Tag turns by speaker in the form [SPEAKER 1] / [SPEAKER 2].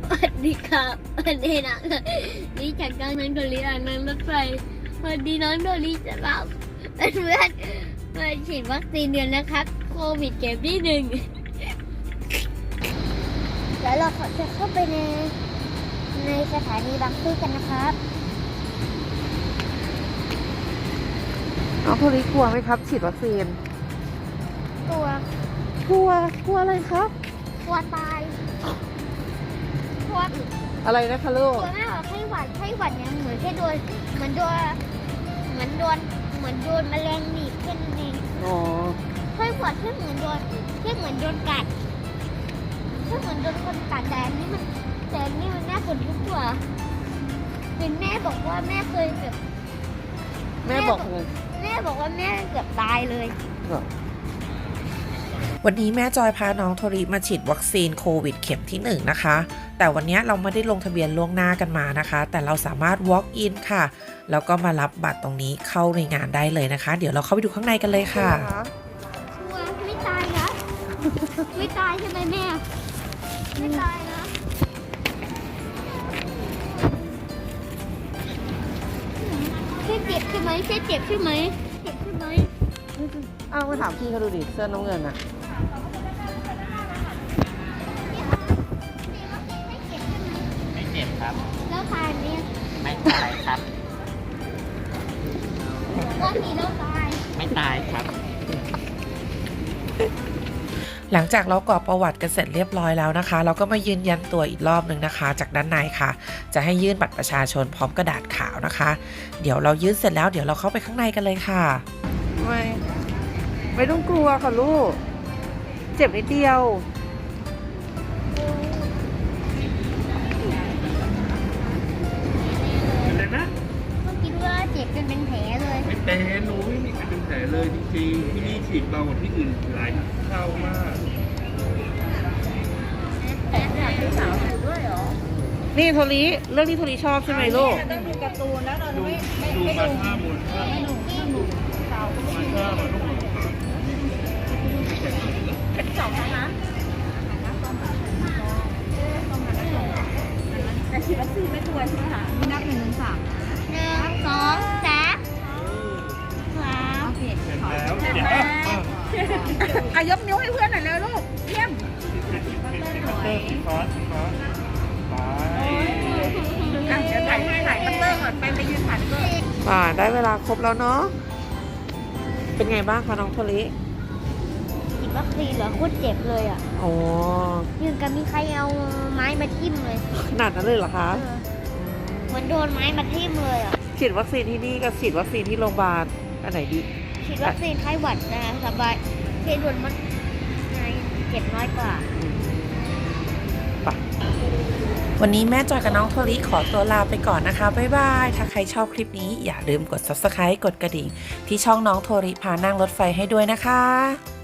[SPEAKER 1] สวัสดีครับวันนี้นะนี่จากกลางนังโดรีนั่งรถไฟวันนี้น้องโดรีจะรับเพื่อนมาฉีดวัคซีนเดือนนะครับโควิดเข็มที่1เดี๋ยวเราจะเข้าไปในสถานีบางซื่อกันนะครับ
[SPEAKER 2] น้องโทริกลัวไหมครับฉีดวัคซีน
[SPEAKER 1] กลัว
[SPEAKER 2] กลัวอะไรครับ
[SPEAKER 1] กลัวตายกลัว
[SPEAKER 2] อะไรนะคะลูก
[SPEAKER 1] กลัวแม่บอกไข้หวัดเนี่ยเหมือนแค่โดนเหมือนโดนแมลงหนีบแค่นั้นเอง
[SPEAKER 2] อ๋อ
[SPEAKER 1] ไข้หวัดแค่เหมือนโดนกัดแค่เหมือนโดนคนกัดแต่อันนี้มันน่าขนลุกกว่าเป็นแม่บอกว่าแม่เคยแบบ
[SPEAKER 2] แม่บอกไง
[SPEAKER 1] แม่บอกว่าแม่เกือบตายเลย
[SPEAKER 3] วันนี้แม่จอยพาน้องโทริมาฉีดวัคซีนโควิดเข็มที่1นะคะแต่วันนี้เราไม่ได้ลงทะเบียนล่วงหน้ากันมานะคะแต่เราสามารถ walk in ค่ะแล้วก็มารับบัตรตรงนี้เข้าในงานได้เลยนะคะเดี๋ยวเราเข้าไปดูข้างในกันเลยค่ะ
[SPEAKER 1] ชัวร์ไม่ตายนะ ไม่ตายใช่ไหมแม่ไม่ตายนะแค่เจ็บใช่ไหมเจ็บใช่ไหม
[SPEAKER 2] เอามาถามพี่เขาดูดิเสื้อน้ำเงินอะ
[SPEAKER 4] ไม่เจ็บครับ
[SPEAKER 1] แล้วตายไหม
[SPEAKER 4] ไม่ตายครับ
[SPEAKER 1] ว่ามีแล้วตาย
[SPEAKER 4] ไม่ตายครับ
[SPEAKER 3] หลังจากเรากรอกประวัติกันเสร็จเรียบร้อยแล้วนะคะ เราก็มายืนยันตัวอีกรอบนึงนะคะ จากด้านในค่ะ จะให้ยื่นบัตรประชาชนพร้อมกระดาษขาวนะคะ เดี๋ยวเรายื่นเสร็จแล้วเดี๋ยวเราเข้าไปข้างในกันเลยค่ะ
[SPEAKER 2] ไม่ต้องกลัวค่ะลูก เจ็บนิดเดียว
[SPEAKER 4] เลยนะ
[SPEAKER 1] เมื่อกี้ว่าเจ็บจนเป็นแผลเลย
[SPEAKER 4] ไม่เป็นหนูไม่มีใครเป็นแผลเลยจริงๆที่นี่ฉีดเบากว่าที่อื่นหลายเท่ามาก
[SPEAKER 2] นี่โทริเรื่องที่โทริชอบใช่ไหมลูก
[SPEAKER 4] ดูมาท่ามูลค่ามาท่ามาลูก
[SPEAKER 1] 1 2 3
[SPEAKER 4] เห็นแล้วเดี๋ยว
[SPEAKER 2] อ่ะยกนิ้วให้เพื่อนหน่อยเร็วลูกเยี่ยม
[SPEAKER 4] ฟอสไป
[SPEAKER 2] อ่ะเดี๋ยวถ่ายคัตเตอร์ก่อนไปยืนถ่ายก็ได้เวลาครบแล้วเนาะ เป็นไงบ้างคะน้องโทริ
[SPEAKER 1] ฉีดวัคซีนเหรอโคตรเจ็บเลยอ่ะ
[SPEAKER 2] โอ้
[SPEAKER 1] ยังกับมีใครเอาไม้มาทิ่มเลย
[SPEAKER 2] ขนาดนั้นเลยเหรอคะ
[SPEAKER 1] เหมือนโดนไม้มาทิ่มเลยอ่ะ
[SPEAKER 2] ฉีดวัคซีนที่นี่กับฉีดวัคซีนที่โรงพยาบาลอันไหนดี
[SPEAKER 1] ฉีดวัคซีนไข้หวัดนะสบายเทโดนมันเจ็บน้อยกว่า
[SPEAKER 3] วันนี้แม่จอยกับน้องโทริขอตัวลาไปก่อนนะคะบ๊ายบายถ้าใครชอบคลิปนี้อย่าลืมกด subscribe กดกระดิ่งที่ช่องน้องโทริพานั่งรถไฟให้ด้วยนะคะ